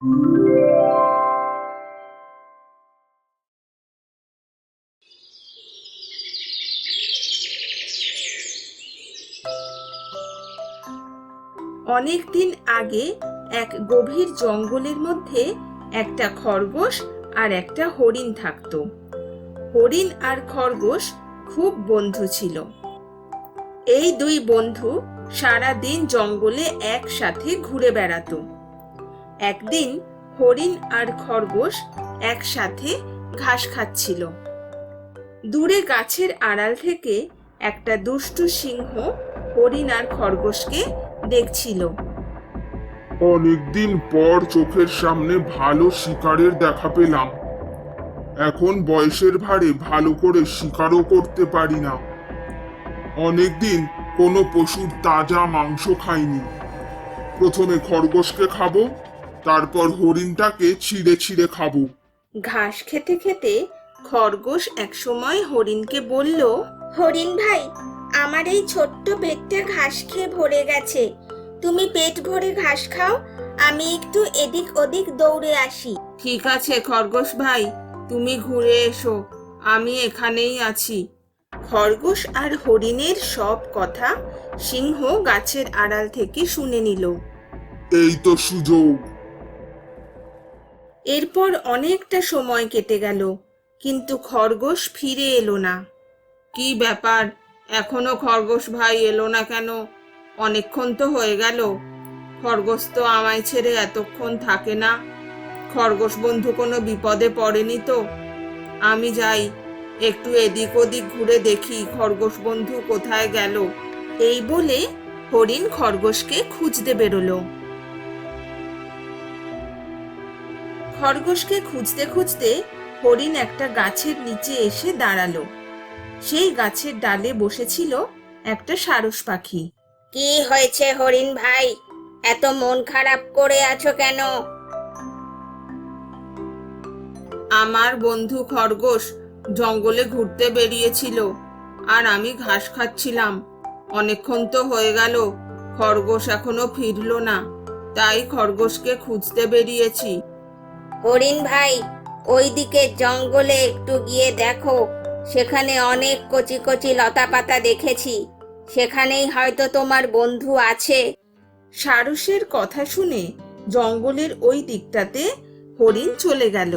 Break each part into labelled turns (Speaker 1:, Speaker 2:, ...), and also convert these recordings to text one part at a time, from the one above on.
Speaker 1: অনেক দিন আগে এক গভীর জঙ্গলের মধ্যে একটা খরগোশ আর একটা হরিণ থাকতো। হরিণ আর খরগোশ খুব বন্ধু ছিল। এই দুই বন্ধু সারা দিন জঙ্গলে একসাথে ঘুরে বেড়াতো। একদিন হরিণ আর খরগোশ একসাথে ঘাস খাচ্ছিল। দূরে গাছের আড়াল থেকে একটা দুষ্টু সিংহ হরিণ আর খরগোশকে দেখছিল।
Speaker 2: অনেকদিন পর চোখের সামনে ভালো শিকারের দেখা পেলাম। এখন বয়সের ভারে ভালো করে শিকারও করতে পারি না। অনেকদিন কোনো পশুর তাজা মাংস খাইনি। প্রথমে খরগোশকে খাবো, তারপর হরিণটাকে ছিঁড়ে ছিঁড়ে খাবো।
Speaker 1: ঘাস খেতে খেতে খরগোশ একসময় হরিণকে বলল,
Speaker 3: হরিণ ভাই, আমার এই ছোট্ট পেটটা ঘাস খেয়ে ভরে গেছে। তুমি পেট ভরে ঘাস খাও, আমি একটু এদিক ওদিক দৌড়ে আসি।
Speaker 1: ঠিক আছে খরগোশ ভাই, তুমি ঘুরে এসো, আমি এখানেই আছি। খরগোশ আর হরিণের সব কথা সিংহ গাছের আড়াল থেকে শুনে নিল।
Speaker 2: এই তো সুযোগ।
Speaker 1: এরপর অনেকটা সময় কেটে গেল, কিন্তু খরগোশ ফিরে এলো না। কি ব্যাপার, এখনো খরগোশ ভাই এলো না কেন? অনেকক্ষণ তো হয়ে গেল। খরগোশ তো আমায় ছেড়ে এতক্ষণ থাকে না। খরগোশ বন্ধু কোনো বিপদে পড়েনি তো? আমি যাই, একটু এদিক ওদিক ঘুরে দেখি খরগোশ বন্ধু কোথায় গেল। এই বলে হরিণ খরগোশকে খুঁজতে বেরোলো। খরগোশকে খুঁজতে খুঁজতে হরিণ একটা গাছের নিচে এসে দাঁড়ালো। সেই গাছের ডালে বসেছিল একটা সারস পাখি।
Speaker 3: কি হয়েছে হরিণ ভাই, এত মন খারাপ করে আছো কেন?
Speaker 1: আমার বন্ধু খরগোশ জঙ্গলে ঘুরতে বেরিয়েছিল, আর আমি ঘাস খাচ্ছিলাম। অনেকক্ষণ তো হয়ে গেল, খরগোশ এখনো ফিরলো না, তাই খরগোশকে খুঁজতে বেরিয়েছি।
Speaker 3: হরিণ ভাই, ওইদিকে জঙ্গলে একটু গিয়ে দেখো, সেখানে অনেক কচি কচি লতা পাতা দেখেছি। সেখানেই হয়তো তোমার বন্ধু আছে।
Speaker 1: সারসের কথা শুনে জঙ্গলের ওই দিকটাতে হরিণ চলে গেল।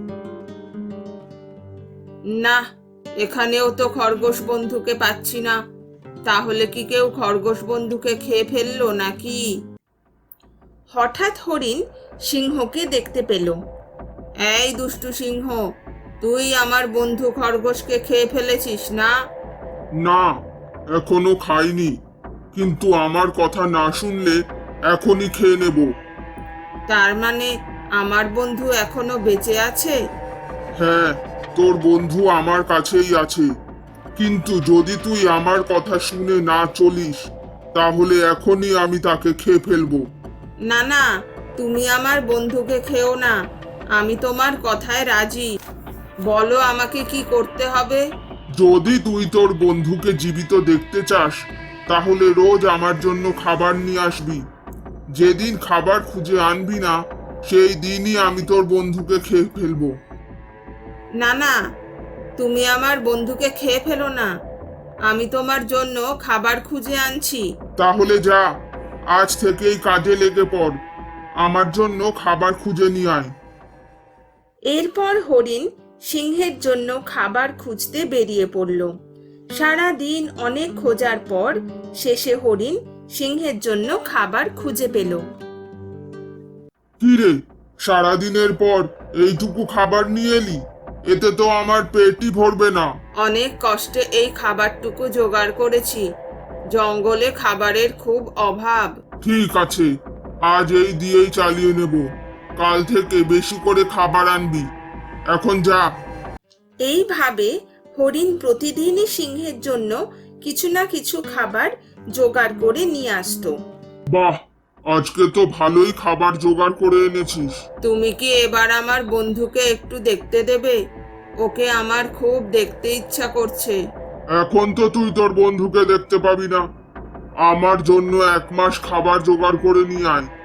Speaker 1: না, এখানেও তো খরগোশ বন্ধুকে পাচ্ছি না। তাহলে কি কেউ খরগোশ বন্ধুকে খেয়ে ফেললো নাকি? হঠাৎ হরিণ সিংহকে দেখতে পেল। এই দুষ্টু সিংহ, তুই আমার বন্ধু খরগোশকে খেয়ে ফেলেছিস না?
Speaker 2: না, এখনো খাইনি, কিন্তু আমার কথা না শুনলে এখনই খেয়ে নেব।
Speaker 1: তার মানে আমার বন্ধু এখনো বেঁচে আছে?
Speaker 2: হ্যাঁ, তোর বন্ধু আমার কাছেই আছে, কিন্তু যদি তুই আমার কথা শুনে না চলিস, তাহলে এখনই আমি তাকে খেয়ে ফেলবো।
Speaker 1: না না, তুমি আমার বন্ধুকে খেও না, আমি তোমার কথায় রাজি। বলো আমাকে কি করতে হবে?
Speaker 2: যদি তুই তোর বন্ধুকে জীবিত দেখতে চাস, তাহলে রোজ আমার জন্য খাবার নিয়ে আসবি। যেদিন খাবার খুঁজে আনবি না, সেই দিনই আমি তোর বন্ধুকে খেয়ে ফেলবো।
Speaker 1: না না, তুমি আমার বন্ধুকে খেয়ে ফেলো না, আমি তোমার জন্য খাবার খুঁজে আনছি।
Speaker 2: তাহলে যা, আজ থেকেই কাজে লেগে পড়, আমার জন্য খাবার খুঁজে নিয়ে আয়।
Speaker 1: এরপর হরিণ সিংহের জন্য খাবার খুঁজতে বেরিয়ে পড়ল। সারা দিন অনেক খোঁজার পর শেষে হরিণ সিংহের জন্য খাবার খুঁজে পেল।
Speaker 2: কি রে, সারাদিনের পর এইটুকু খাবার নিয়ে এলি? এতে তো আমার পেটই ভরবে না।
Speaker 1: অনেক কষ্টে এই খাবারটুকু জোগাড় করেছি, জঙ্গলে খাবারের খুব অভাব।
Speaker 2: ঠিক আছে, আজ এই দিয়েই চালিয়ে নেব। কাল থেকে বেশি করে খাবার আনবি। এখন যা।
Speaker 1: এইভাবে হরিণ প্রতিদিনই সিংহের জন্য কিছু না কিছু খাবার জোগাড় করে নিয়ে আসতো।
Speaker 2: বাহ, আজকে তো ভালোই খাবার জোগাড় করে এনেছিস।
Speaker 1: তুমি কি এবার আমার বন্ধুকে একটু দেখতে দেবে? ওকে আমার খুব দেখতে ইচ্ছা করছে।
Speaker 2: এখন তো তুই তোর বন্ধুকে দেখতে পাবি না। আমার জন্য 1 মাস খাবার জোগাড় করে নিয়ে আয়,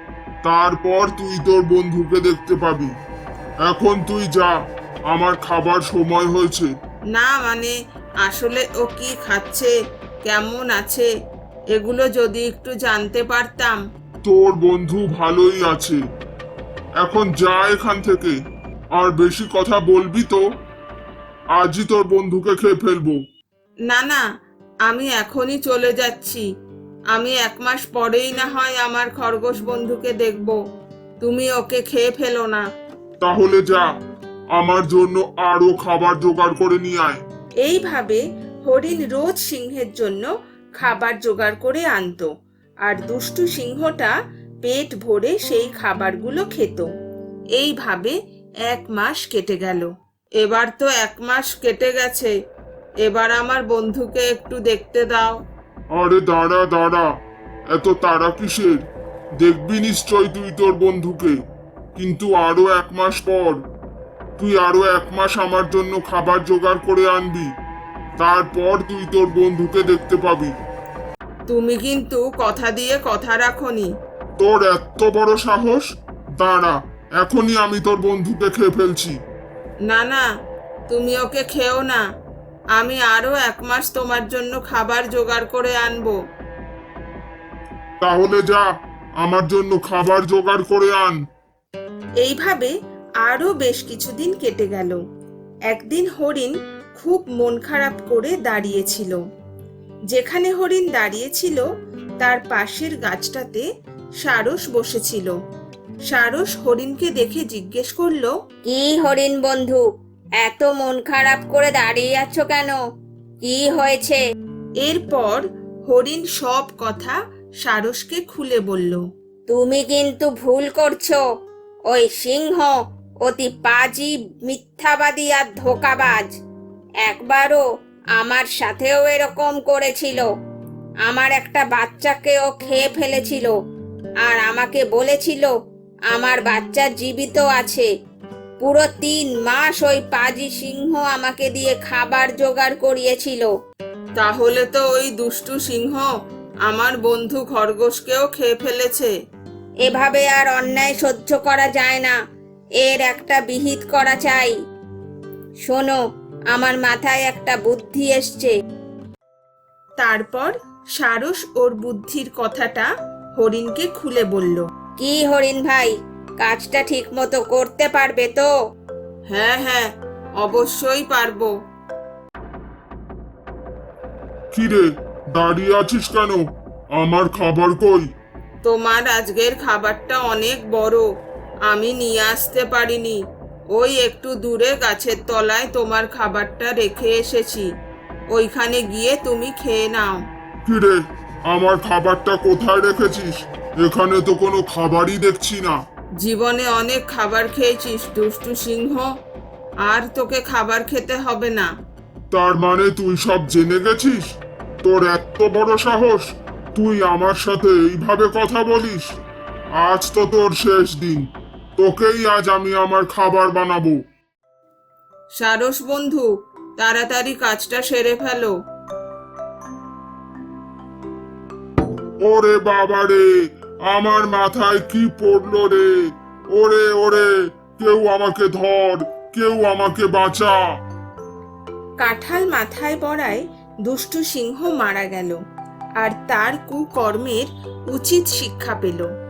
Speaker 2: তারপর তুই তোর বন্ধুকে দেখতে পাবি। এখন তুই যা, আমার খাবার সময় হয়েছে।
Speaker 1: না মানে আসলে ও কি খাচ্ছে, কেমন আছে, এগুলো যদি একটু জানতে পারতাম।
Speaker 2: তোর বন্ধু ভালোই আছে, এখন যা এখান থেকে। আর বেশি কথা বলবি তো আজই তোর বন্ধুকে খেয়ে ফেলবো।
Speaker 1: না না, আমি এখনই চলে যাচ্ছি। আমি 1 মাস পরেই না হয় আমার খরগোশ বন্ধুকে দেখব। তুমি ওকে খেয়ে ফেলো না।
Speaker 2: তাহলে যা, আমার জন্য আরো খাবার জোগাড় করে নিয়ে আয়।
Speaker 1: এইভাবে হরিণ রোজ সিংহের জন্য খাবার জোগাড় করে আনতো, আর দুষ্টু সিংহটা পেট ভরে সেই খাবারগুলো খেত। এইভাবে 1 মাস কেটে গেল। এবার তো 1 মাস কেটে গেছে, এবার আমার বন্ধুকে একটু দেখতে দাও।
Speaker 2: আরে দাঁড়া দাঁড়া, এত তাড়া কিসের? দেখবি নিশ্চয় তুই তোর বন্ধুকে, কিন্তু আরো 1 মাস পর। তুই আরো 1 মাস আমার জন্য খাবার জোগাড় করে আনবি, তারপর তুই তোর বন্ধুকে দেখতে পাবি।
Speaker 1: তুমি কিন্তু কথা দিয়ে কথা রাখোনি।
Speaker 2: তোর এত বড় সাহস! দাঁড়া, এখনই আমি তোর বন্ধুকে খেয়ে ফেলছি।
Speaker 1: না না, তুমি ওকে খেও না। আমি আরো 1 মাস তোমার জন্য খাবার জোগাড় করে আনবো।
Speaker 2: তাহলে যা, আমার জন্য খাবার জোগাড় করে আন।
Speaker 1: এইভাবে আরো বেশ কিছুদিন কেটে গেল। একদিন হরিণ খুব মন খারাপ করে দাঁড়িয়েছিল। যেখানে হরিণ দাঁড়িয়েছিল তার পাশের গাছটাতে সারস বসেছিল। সারস হরিণকে দেখে জিজ্ঞেস করলো,
Speaker 3: কি হরিণ বন্ধু, এত মন খারাপ করে দাঁড়িয়ে আছো কেন? কি হয়েছে?
Speaker 1: এরপর হরিণ সব কথা সারসকে খুলে বলল।
Speaker 3: তুমি কিন্তু ভুল করছো। ওই সিংহ অতি পাজি, মিথ্যাবাদী আর ধোঁকাবাজ। একবারও আমার সাথেও এরকম করেছিল। আমার একটা বাচ্চাকেও খেয়ে ফেলেছিল, আর আমাকে বলেছিল আমার বাচ্চা জীবিত আছে। পুরো 3 মাস ওই পাজি সিংহ আমাকে দিয়ে খাবার জোগাড় করিয়েছিল।
Speaker 1: তাহলে তো ওই দুষ্টু সিংহ আমার বন্ধু খরগোশকেও খেয়ে ফেলেছে।
Speaker 3: এভাবে আর অন্যায় সহ্য করা যায় না, এর একটা বিহিত করা চাই। শোনো, আমার মাথায় একটা বুদ্ধি এসছে।
Speaker 1: তারপর সারস ওর বুদ্ধির কথাটা হরিণকে খুলে বলল।
Speaker 3: কি হরিণ ভাই, কাজটা ঠিক মতো করতে পারবে তো?
Speaker 1: হ্যাঁ হ্যাঁ, অবশ্যই পারবো।
Speaker 2: কি রে, দাঁড়িয়ে আছিস কেন? আমার খাবার কই?
Speaker 1: তোমার আজকের খাবারটা অনেক বড়, আমি নিয়ে আসতে পারিনি। ওই একটু দূরে গাছের তলায় তোমার খাবারটা রেখে এসেছি, ওইখানে গিয়ে তুমি খেয়ে নাও।
Speaker 2: কি রে, আমার খাবারটা কোথায় রেখেছিস? এখানে তো কোনো খাবারই দেখছি না।
Speaker 1: জীবনে অনেক খাবার খেয়েছিস দুষ্টু সিংহ, আর তোকে খাবার খেতে হবে না।
Speaker 2: তার মানে তুই সব জেনে গেছিস? তোর এত বড় সাহস, তুই আমার সাথে এইভাবে কথা বলিস? আজ তো তোর শেষ দিন, তোকেই আজ আমি আমার খাবার বানাবো।
Speaker 1: সারস বন্ধু, তাড়াতাড়ি কাজটা সেরে ফেলো।
Speaker 2: ওরে বাবা রে, আমার মাথায় কি পড়লো রে! ওরে ওরে, কেউ আমাকে ধর, কেউ আমাকে বাঁচা।
Speaker 1: কাঁঠাল মাথায় পড়ায় দুষ্টু সিংহ মারা গেল, আর তার কুকর্মের উচিত শিক্ষা পেল।